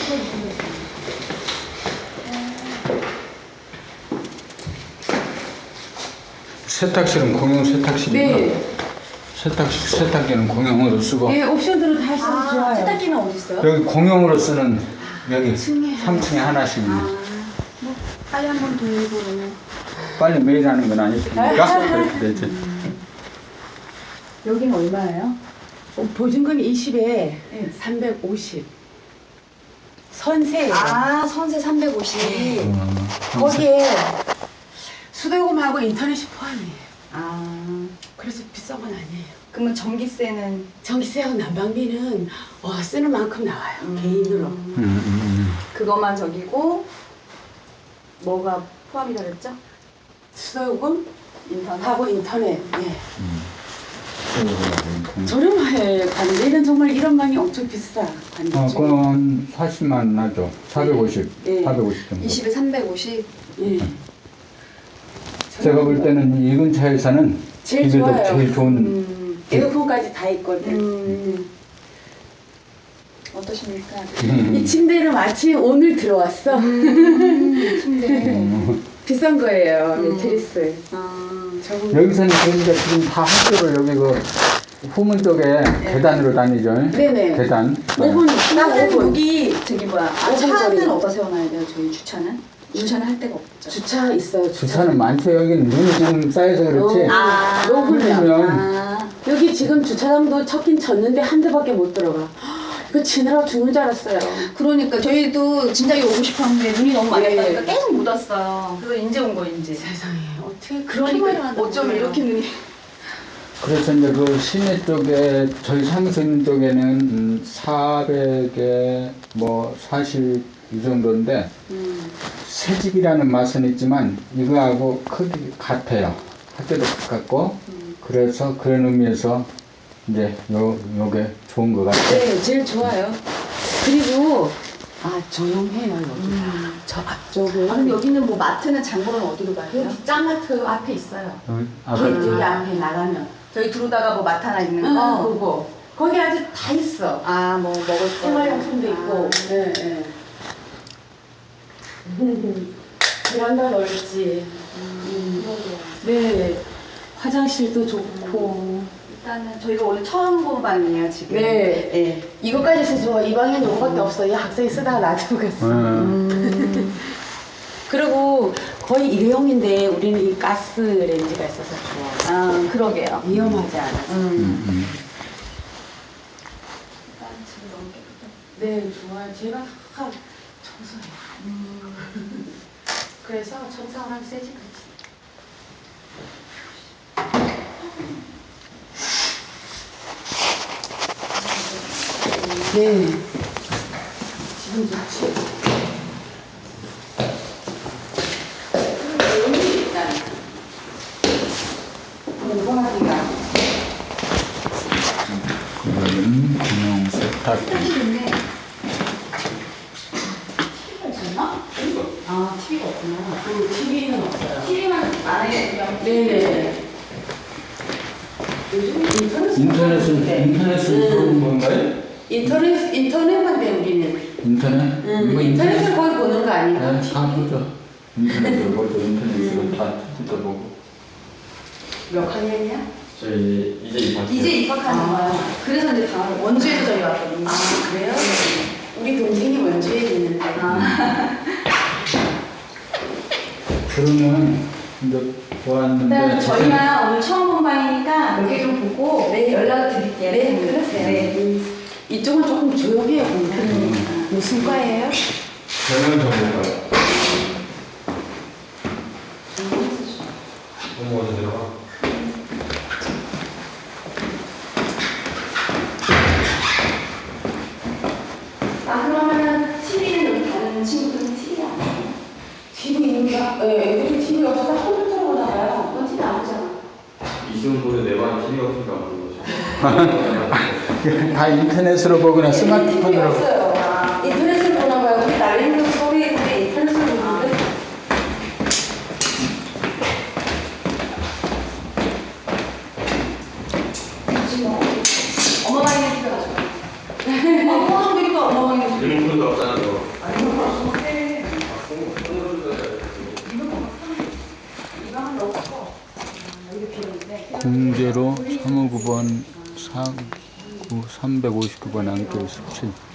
세탁실은 공용 세탁실이구나. 네. 세탁기는 공용으로 쓰고. 네, 옵션으로 다 있어서 좋아요. 세탁기는 어디 있어요? 여기 공용으로 쓰는 여기 3층에 하나씩 있네. 뭐 빨리 한번 돌고. 빨리 매일 하는 건 아닐 테니까 그렇게 되지. 여기는 얼마예요? 보증금 20에 350. 선세예요. 아, 선세 350. 거기에 수도요금하고 인터넷이 포함이에요. 아, 그래서 비싼 건 아니에요. 그러면 전기세는 전기세하고 난방비는 쓰는 만큼 나와요. 개인으로. 그것만 저기고 뭐가 포함이라 그랬죠? 수도요금 인터넷. 하고 인터넷. 예. 저렴해. 관리는 정말 이런 방이 엄청 비싸. 관리 중에. 그건 40만 나죠. 450, 네. 450 정도. 20에 350. 예. 제가 볼 때는 이 근처에서는 제일 이게 좋아요. 제일 좋은. 에어컨까지 다 있거든. 어떠십니까? 이 침대는 마침 오늘 들어왔어. 침대. 비싼 거예요. 매트리스. 저거 여기서는 저희가 지금 다 학교를 여기 그 후문 쪽에 계단으로 다니죠. 네네. 계단. 5분, 딱 나는 5분. 여기 저기 뭐야? 아, 5분 거리. 차는 어디다 세워놔야 돼요? 저희 주차는? 주차는 할 데가 없죠. 주차 있어요. 주차는 많죠. 여기는 눈이 지금 쌓여서 그렇지. 아. 노블이야. 아, 여기 지금 주차장도 쳤긴 쳤는데 한 대밖에 못 들어가. 이거 치느라고 죽는 줄 알았어요. 그러니까 저희도 진작에 오고 싶었는데 눈이 너무 많이 예. 왔다니까 계속 못 왔어요. 그래서 이제 온 거예요, 이제. 세상에 어떻게 그렇게 말을 그러니까 한다고 어쩜 그래요. 이렇게 눈이. 그래서 이제 그 시내 쪽에 저희 사무소 있는 쪽에는 400에 뭐 40 이 정도인데 새 집이라는 맛은 있지만 이거하고 크기 같아요. 학교도 가깝고 그래서 그런 의미에서 이제 요게 좋은 것 같아요. 네, 제일 좋아요. 그리고 조용해요 여기가. 저 앞쪽은. 아, 근데 여기는 뭐 마트는 장보러는 어디로 가야 돼요? 여기 짱마트 앞에 있어요. 그 여기 앞에 나가면. 저희 들어오다가 뭐 마트 하나 있는 거? 그거. 거기 아주 다 있어. 아, 뭐 먹을 거. 생활용품도 있고. 네, 네. 베란다 넓지. 네. 화장실도 좋고. 일단은 저희가 오늘 처음 본 방이에요, 지금. 네. 네. 이거까지 있어서 이 방에는 이거밖에 없어. 이 학생이 쓰다가 놔두고 갔어. 그리고 거의 일회용인데 우리는 이 가스 렌즈가 있어서 좋아. 아, 그러게요. 위험하지 않아. 일단 지금 너무 깨끗해. 네, 좋아요. 제가 항상 청소해요. 그래서 청소를 하면 세지 그렇지. 네. 지금 좋지. 일단 공부하기가. 그거는 공용 세탁기. 좋네. TV가 있었나? 아, TV가 없구나. TV는 없어요. TV만 안에 네네. 요즘 인터넷은 좋은 건가요? 인터넷만 돼, 우리는. 인터넷? 이거 인터넷을 거의 보는 거 아닌가? 네, 다 보죠. 인터넷으로 보죠. 인터넷으로 다 뜯어보고. 몇 학년이야? 저희 이제 입학해요. 이제 입학하는 거야. 그래서 이제 다음 원주에서 저희 왔거든요. 아, 그래요? 우리 동생이 원주에 있는데. 그러면 이제 보았는데 일단 저희가 오늘 처음 본 방이니까 여기 좀 보고 네. 연락을 드릴게요. 네, 그러세요. 네. 이쪽은 조금 조용해요, 공부는. 무슨 과예요? 저는 전문가요. 공무원 들어가. 아, 그러면은 TV는 여기 다른 친구들은 TV 안 봐요? TV 있는가? 네, 애들이 TV 없어서 컴퓨터로 보나 봐요. 그건 TV 안 보잖아. 이승훈 내 방에 TV가 없으니까 안 보는 거죠. 다 인터넷으로 보거나 TV 스마트폰으로 없어요. 인터넷을 보나 봐요. 우리 날리는 소리 근데 인터넷을 보는데. 엄마 방에 TV가 가지고. 엄마 방에 TV가 엄마 방에 TV. 일본도 없잖아, 너. 공제로 359번 359번 안겨 17